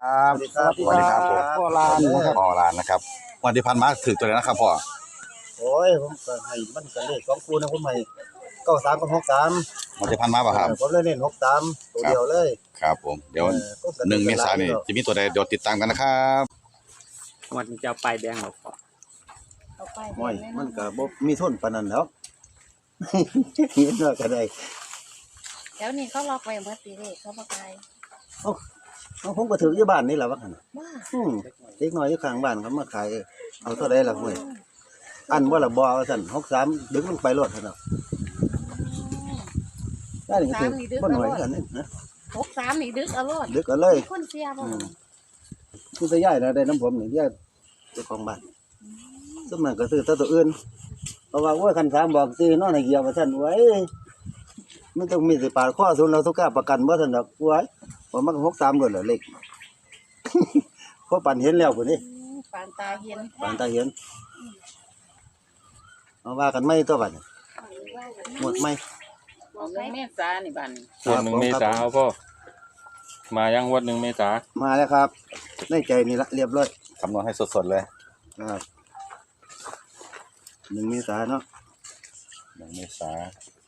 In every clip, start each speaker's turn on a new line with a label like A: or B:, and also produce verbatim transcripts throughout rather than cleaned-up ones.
A: ครับสวัสดีครับผมพ่อลานนะครับพ่อลานนะครับวันที่พันมาถือตัวเลยนะครับพ่อ
B: โอ้ยผมก็ให้มันก็เลขสองคู่นะผมให้เก้าสามกับหกสาม
A: วันที่พันมาป่ะครับ
B: ผมเลยเน้นหกสามตัวเดียวเลย
A: ครับผมเดี๋ยวหนึ่งเมษายนนี่จะมีตัวใดเดี๋ยวติดตามกันนะครับ
C: วันจะไปแดงหรอพ่อ
B: ไม่มันก็บ่มีทุนปานนั้นแล้วเห็นว่าก็ได้
D: เดี๋ยวนี้เขาล็อกไว้เมื่อปีนี้เขาบอกไป
B: เอ้าผมก็ถืออยู่บ้านนี่แหละว่าหั่น
D: ว่า
B: อืมเด็กน้อยอยู่ข้างบ้านเขามาขายเอาเท่าใดล่ะห้วยอันบ่ล่ะบ่ว่าซั่นหกสามดึงมันไปรถซั่นเนาะได้นี่ก็ถือบ่น้อยกันนี่นะ
D: หกสามนี่ดึกเอารถ
B: ดึกเอาเลย
D: คนเสียบ่
B: ผู้จะย้ายนะได้น้ำผมนี่ย้ายเจ้าของบ้านซึ่งมันก็ซื้อแต่ตัวอื่นเพราะว่าโอ้ยคันสามบอกซื้อนอนให้เกี่ยวว่าซั่นไว้มันต้องมีสิปาดข้อซุนเราทุกกล้าประกันบ่ซั่นดอกไว้บ่มันหกสามด้วยเหรอเลขพอปันเห็นแล้วพุ่นนี่
D: ปานตาเห็น
B: ปานตาเห็นเอาว่ากันไม่ตัวบัดหมดไหม
C: วันหนึ่งเมษานี่บัดนี้
E: วันหนึ่งเมษาเอาพ่อมายังวันหนึ่งเมษา
B: มาแล้วครับในใจนี่ละเรียบร้อย
A: คำนวณให้สดๆเลย
B: ครับหนึ่งเมษาเนาะ
A: หนึ่งเมษา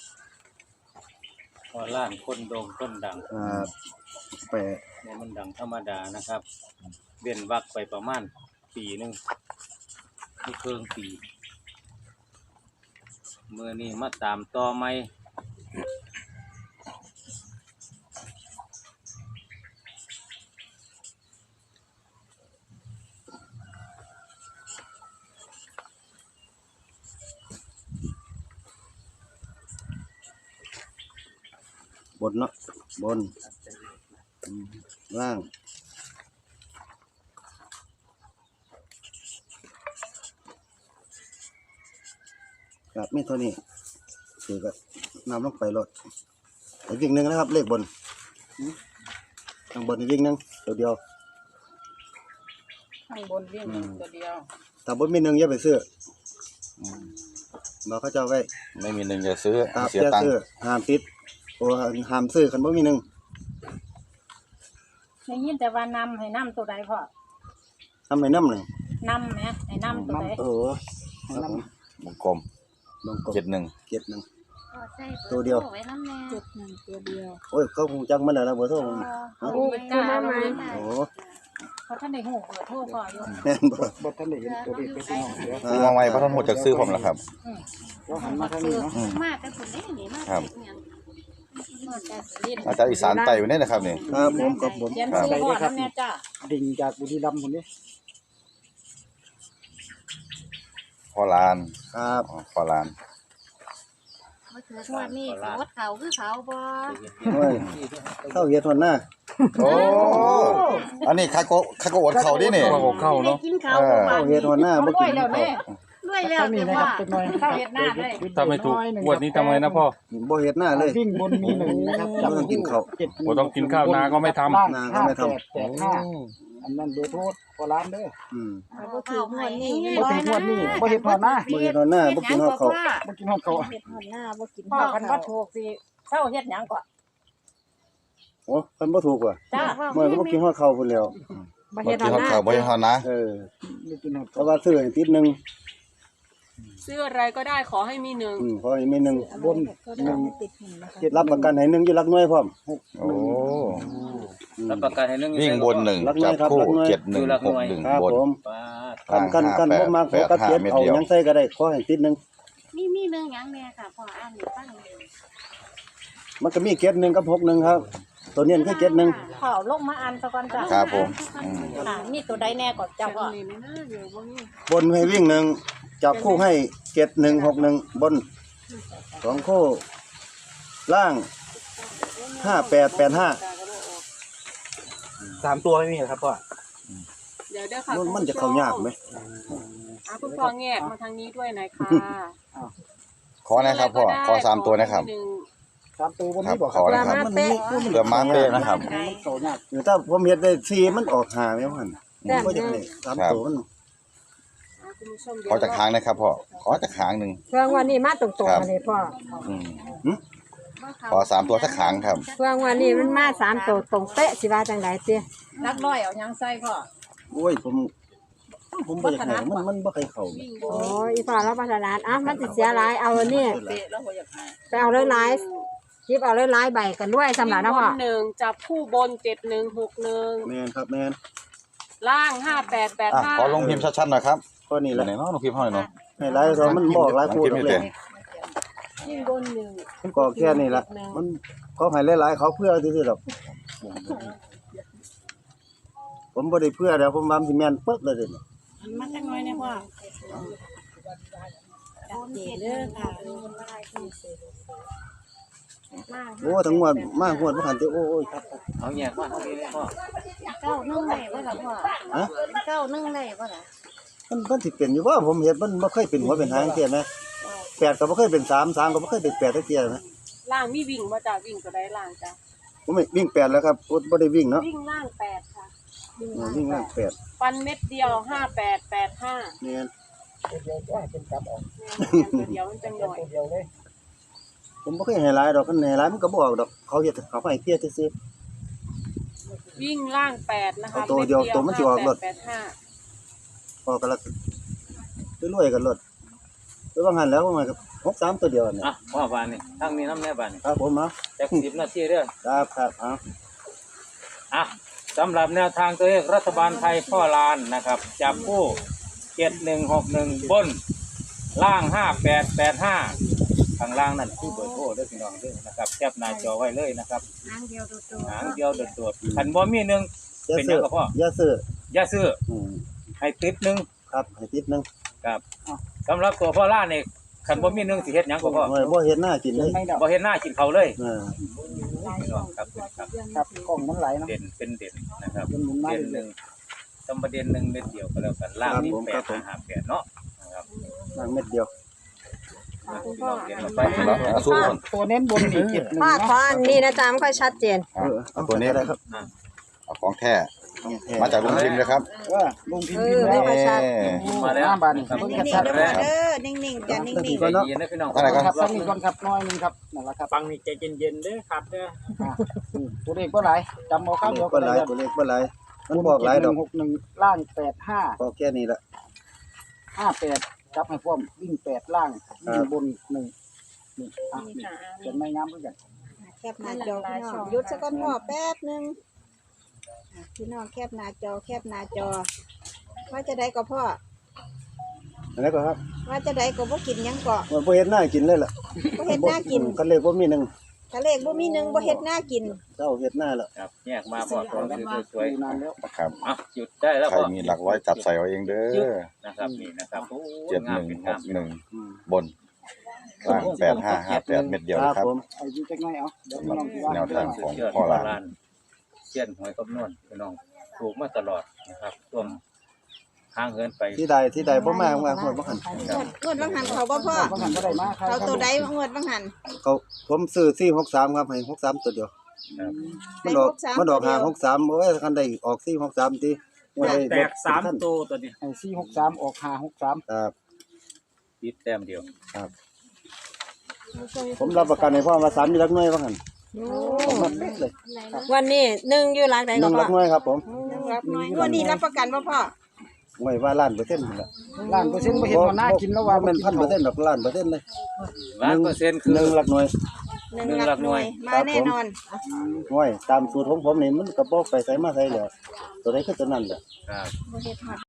C: พอล้านคนโด่งคนดัง
B: อ่าแปะ
C: เนี่ยมันดังธรรมดานะครับเว้นวักไปประมาณปีหนึ่งที่เพิ่งปีเมื่อนี้มาตามต่อไหม
B: บนเนาะบนล่างครับมีเท่านี้คือก็นำลงไปรถอีกวิ่งหนึ่งนะครับเลขบนข้างบนอีกวิ่งหนึ่งตัวเดียว
C: ข้างบนวิ่งตัวเดียว
B: ถ้าบนมีหนึ่งอย่าไปซื้อบอกเขาเจ้าไว้
A: ไม่มีหนึ่งอย่าซื้อ
B: เสียตังค์ห้ามติดโอ้ห้ามซื้อคันบ่มีหนึ่ง
D: ในยินแต่ว่านำให้นำตัวใดพ่อ
B: ทำไมน้ำหนึ่ง
D: นำไหมให้นำตัวใด
B: โอ้
A: วงกลมเจ็ดหนึ่ง
B: เจ็ดหนึ่ง
D: ตัวเดียว
B: เจ็ดหนึ่งตัวเดียวโอ้ยเขาคงจังมันแล้วนะเบอร์โทรมัน
D: โอ้ยจ้าไหม
B: โอ้
D: เพราะท่านได้หูเบอร์โทรพ่ออยู่
B: แม่นบ่บ่ท่านได้เห็นตัวเลขไปที่น้อง
A: มองไว้เพราะท่านหมดจากซื้อผมแล้วครับ
B: ก็หันมาทางนี้เนาะ
D: มากกันคนได้นี่มาก
A: ครับอาจารย์อีสานไต่ไปเนี่ยนะครับนี่
B: ครับผมกับผม
D: เขียนซื้อพ่อทำแน่จ้า
B: ดิ่งจากบุรีรัมย์คนนี้
A: พ่อลาน
B: ครับ
A: พ่อลาน
D: ชวดนี่วัดเขาคือเขาบ่
B: เข้าเฮ็ดทนหน้า
A: โอ้อันนี้คาโกคาโกอดเข่าดินี่
E: เข้าเนาะ
B: เข้าเฮ็ดทนหน้าบ่กินข้าว
D: รวยแล้วแต่ว่าเข้าเฮ็ดหน้าเลย
E: ถ้าไม่ถูกงวดนี้ทำไมนะพ่อ
B: บ่เฮ็ดหน้าเลย
F: วิ่งบนมีหนึ่งนะครับ
B: จำต้องกินข้าว
E: บ่ต้องกินข้าวนาก็ไม่ทำ
B: นาก็ไม่ทำ
F: แปดห้าอันนั้นเบอร์โทรพอร้านเด้อ
B: อืม
D: บ่ถือหวดนี่
F: บ่ถือหวดนี่บ่เฮ็ดหวดหน้า
B: บ่เฮ็ดหวดหน้าบ่กินข้าวเขา
F: บ่กินข้าวเขา
D: เฮ็ดหวดหน้าบ่กินข้าวคันบ่ถูกสิเซาเฮ็ดหยังก่อน
B: โอ้คันบ่ถูกว่ะ
D: จ้า
B: เมื่อก็บ่กินข้าวเขาพุ่นแล้ว
D: บ่เฮ็ดหวดหน้า
A: บ่เฮ็ดหวดนะ
B: เออเพราะว่าซื้อให้ติดนึง
G: ซื้ออะไรก็ได้ขอให้มีหนึ่ง
B: อืมขอให้มีหนึ่งบน
D: หนึ่ง
B: รับประกันให้หนึ่งอยู่หลักหน่วยพร้อม
A: โอ้
C: รับประกันให้หนึ่ง
A: วิ่งบนหนึ่งจับคู่เจ็ดหนึ่งหกหนึ่งบน
B: กันกันกันบ่มาขอกับเจ็ดเอายังใส่ก็ได้ขอให้ติดหนึ่ง
D: มีมีหนึ่งหยังแน่ค่ะพออ่านอยู่ฟัง
B: มันก็มีเจ็ดหนึ่งกับหกหนึ่งครับตัวนี้คือเจ็ดหนึ่ง
D: ขอลงมาอ่านซะก่อนจ้ะ
A: ครับผม
D: ค่ะมีตัวใดแน่ก่อนเจ้าพ่
B: อบนให้วิ่งหนึ่งจับคู่ให้เจ็ดหนึ่งหกหนึ่งบนสองคู่ล่างห้าแปดแปดห้า
F: สามตัวไม่มีครับพ่อ
G: เดี๋ยวเดี๋ยวค่ะ
B: มันจะเข้ายากไหม
G: อ่ะคุณพ่อแงกมาทางนี้ด้วยหน่อยค่ะ
A: ขอนะครับพ่อขอสามตัวนะครับ
F: สามตัววันนี้บอก
A: ขอนะครับเกือบมาเป๊ะนะครับ
B: หรือถ้าผมเห็นได้สี่มันออกหาไหมพ่อนก็จะได้สามตัวมัน
A: ขอจากค้างนะครับพ่อขอจากค้างหนึ่ง
D: เรื่องวันนี้มาตรงๆมาเลยพ่อ
A: ขอสามตัวสักครั้งครับ
H: เพื่อวันนี้มันมาสามตัวตรงเป๊ะสิว่าจังไดเตี้ย
G: นักร้อยเอายังใส่พ่อ
B: โอ้ยผมผมบ่อยากให้มันมันบ่เคยเข้า
H: โอ้ยอีพ่อเราพัฒนาอ่ะมันสิเสียหลายเอาอันนี้ไปเอาหลายๆคลิปเอาหลายๆใบกันด้วยสำหรับนะพ่อ
G: หนึ่งจับคู่บนเจ็ดหนึ่งหกหนึ่ง
B: แม่นครับแม่น
G: ล่างห้าแปดแปด
A: อ่ะ
G: ห้า
A: ขอลงพิมพ์ชัดๆหน่อยครับ
B: ก็นี่
A: นี่
B: แห
A: แห
B: ละ
A: ละเนาะลงพิมพ์ห้อยเนาะ
B: ให้หลายตัวมันบอกหลายคู่
A: พิม
B: ด
A: พ์
B: อก
A: นี่
B: เล
A: เต็
B: ย
A: ม
G: ยิ่งบนหนึ่ง
B: มันก็แค่นี้ล่ะมันเขาให้หลายๆเขาเพื่อซื่อๆดอกผมบ่ได้เพื่อเดี๋ยวผมว่ามันสิแม่นปึ๊บเลยเด้อ
D: มาจังน้อยเนี่ยพ่อจัดเจเด้อค่ะ
B: โอ้ทั้งหมดมากหมดบ่คันติโอ้ยครับ
C: เอาแยกมาเอาดีเลยพ่อ
D: เก้านึ่งได้บ่ล่ะพ่อ
B: ฮะ
D: เก้านึ่งได้บ่ล่ะ
B: มันมันสิเป็นอยู่ว่าผมเห็นมันบ่เคยเป็นหัวเป็นหางเที่ยนะแปดก็บ่เคยเป็นสามสามก็บ่เคยเป็นแปดจักเที่ยนะ
G: ล่างมีวิ่งมาจากวิ่งก็ได้ล่างจ้ะ
B: ผมไม่วิ่งแปดแล้วครับบ่ได้วิ่งเนาะ
G: วิ่งล่างแปดค่ะ
B: วิ่งล่างแปด
G: ฟันเม็ดเดียวห้าแปดแปดห้า
B: นี่น
F: เดี๋ยวจะให้เป็นกลับออก
G: เดียวมันจังหน่อย
F: เดียวเลย
B: ผมบ่เคยให้หลายดอกคันให้หลายมันก็บ่ออกดอกเขาเฮ็ดเขาให้เพี้ยซื่อ
G: วิ่งล่างแปดนะคะ
B: เอาตัวเดียวตัวมันสิออกรถ
G: แปดห้า
B: ๆพอกันละรวยๆกันรถไปว่างั้นแล้วมันก็หกสามตัวเดียวนี่
C: อ่ะพ่อบานนี่ทั้งนี้น้ำแน่บานนี่
B: ครับผมเนาะ
C: จักสิบนาทีเด้อ
B: ครับครับเอา
C: อ่ะสำหรับแนวทางตัวเลขรัฐบาลไทยพ่อลานนะครับจับคู่เจ็ดหนึ่งหกหนึ่งบนล่างห้าแปดแปดห้าข้างล่างนั่นคือเบอร์โทรเด้อพี่น้องเด้อนะครับแคปหน้าจอไว้เลยนะครับ
D: หางเดียวตัว
C: หางเดียวโดดๆคันบ่มีหนึ่ง
B: อย่า
C: เป็นห
B: ซื้
C: ยั
B: อง
C: กับพ่อ
B: อย่าซื้อ
C: อย่าซื้อ
B: อืม
C: ให้ติดหนึ่ง
B: ครับให้ติดหนึง
C: ครับสำหรับตัวพ่อล่านนี่คันบ่มีหนึ่งสิเฮ็ดหยังกับพ่อ
B: โอ้ยบ่เฮ็ดหน้ากินเลย
F: ไม่ดอก
C: บ่เฮ็ดหน้ากินเขาวเลย
B: เออ
C: พี่น้องครับครับ
F: ครับกล้องมันไหลเนาะ
C: เด่นเป็นเด่นนะครับ
F: เป็นหมุนมา
C: เด่นห
F: เล
C: นึ่
F: ย
C: งจำประเด็นหนึ่งเม็ดเดียวก็แล้วกันล่างนี่แปดห้าแปดเนาะนะครับ
B: นั่งเม็ดเดียว
C: พี่น้องเรียนลงไป
A: เนาะเอาสู้ก่อน
F: ตัวเน้นบนนี่เจ็ดหนึ่ง
H: พ่อ
F: เนาะ
H: ขออันนี้นะจ๊ะมันค่อยชัดเจน
A: อ่ะเอาตัวนี้
B: ได้ครับ
A: เอาของแท้
B: ของแท้
A: มาจากลุงพิมพ์เลยครับ
F: เออลงพิมพ์พิมพ์แล้ว
H: เออ
A: เอ๊ะ
C: มาแล้ว
F: หน้าบานนี่
C: ครับ
F: เพิ่ง
D: นิ่
F: จะ
D: ง
F: ชัด
D: ๆเด้อพ่อเด้อนิ่งๆจ้ะนิ่ง
C: ใจเย็นนะพี่น้อง
A: อะไรกัน
F: ครับสักนิดก่อนครับน้อยหนึงครับนั่นแหละครับ
G: ฟังนี่ใจเย็นๆเด้อครับเด้อ
F: อ่ะอืมตัวเลขก็หลายจำเอาข้าว
B: เล
F: เดียว
B: ข
F: ก็
B: บ่ห
F: ได้
B: ลาย
F: ครับ
B: ตัวเลขบ่หลายมันบอกหลายดอก
F: หกหนึ่งล่างแปดห้า
B: พอแค่นี้ละ
F: ห้าแปดจับให้พร้อมวิ่งแปดล่างวิ่งบนหนึ่งนี่อ่ะนี่เขียนไม่งามเหมือนกัน
D: ๆแคปหน้าจอพี่น้องหยุดสักก่อนพ่อแป๊บนึงอ่ะพี่น้องแคปหน้าจอแคปหน้าจอ ว่าจะได้ก็พ่อ
B: อันนี้ก็ครับ
D: ว่าจะได้ก็บ่กินหยังก็
B: มันบ่เฮ็ดหน้ากินเลยล่ะ
D: บ่เฮ็ดหน้ากิน
B: คันเลขบ่มีหนึง
D: ทะเลขบ่มีหนึงบ่เฮ็ดหน้ากิน
B: เจ้าเฮ็ดหน้าแล้ว
C: ครับแยกมาพอตัวสวย
F: ดูนานแล้ว
A: นะครับ
C: ๆอ่ะหยุดได้แล้ว
A: ใคร
C: พ่อ
A: มีหลักร้อยจับใส่เอาเองเด้อ
C: นะครับนี่นะครับโอ้
A: เจ็ด
C: งา
A: ห
C: ม
A: นึ่ง
C: เป็น
A: ห
C: งาม
A: กหนึ่ง
B: อืม
A: บนล่างแปดห้าห้าแปดเม็ดเดียว
B: ค
A: นะ
B: รับ
A: ครับ
B: ผม
F: ไอ้ยูจักหน่อยเอาเดี๋ยว
A: สำหรับ
F: ลองที่ว่า
A: แนวทางของ
C: เชื่อ
A: พ่อ
C: พ่อ
A: ลาน
C: ลานเชี่ยนหวยคำนวณพี่น้องถูกมาตลอดนะครับต้มข้างเงินไป
B: ที่ใดที่ใดบ่มาว่าคนบ่หัน
D: งวดงวดบางหันเขาบ่พ่อ
F: บางหันก็ได้มาครับ
D: เขาตัวใดงวดบางหัน
B: เขาผมซื้อสี่หกสามครับให้หกสามตัวเดียว
C: ครับ
B: มันดอก
D: ให้หกสาม
B: มันดอก
D: ตัวเดี
B: หา
D: ยว
B: หกสามโอ้ยคันได้ออกสี่หกสามติว่าได้
G: แตกสามตัวตัวนี้
F: ไอ้สี่หกสามออกห้าหกสาม
B: ครับ
C: ติดแต้มเดียว
B: ผมรับประกันให้พ่อว่าสามมีหลักหน่วยว่าหั่น
H: โอ้
B: ผมรับเป๊ะเลย
H: วันนี้หนึ่งอยู่หลักไหน
B: ห
H: ก็
B: นึ่งห
H: พ่
B: ลั
H: อก
B: หน่วยครับผม
D: รับน้อยงวดนี้รับประกันบ่พ่อ
B: หน่วยว่าล้านเปอร์เซ็นต์นั่นแหละ
F: ล้านเปอร์เซ็นต์ไม่เห็นว่าน่ากินแล้วว่า
B: มันพันเปอร์เซ็นต์ดอกล้านเปอร์เซ็นต์เลย
C: ล้านเปอร์เซ็นต์คือ
B: หนึ่งหลักหน่วย
D: หนึ่งหลักหน่วยมาแน่นอน
B: หน่วยตามสูตรของผมนี่มันก็บ่ไปใส่มาใส่แล้วตัวใดคือตัวนั้นแหละ
C: ครับ
D: บ่เฮ็ดฮอด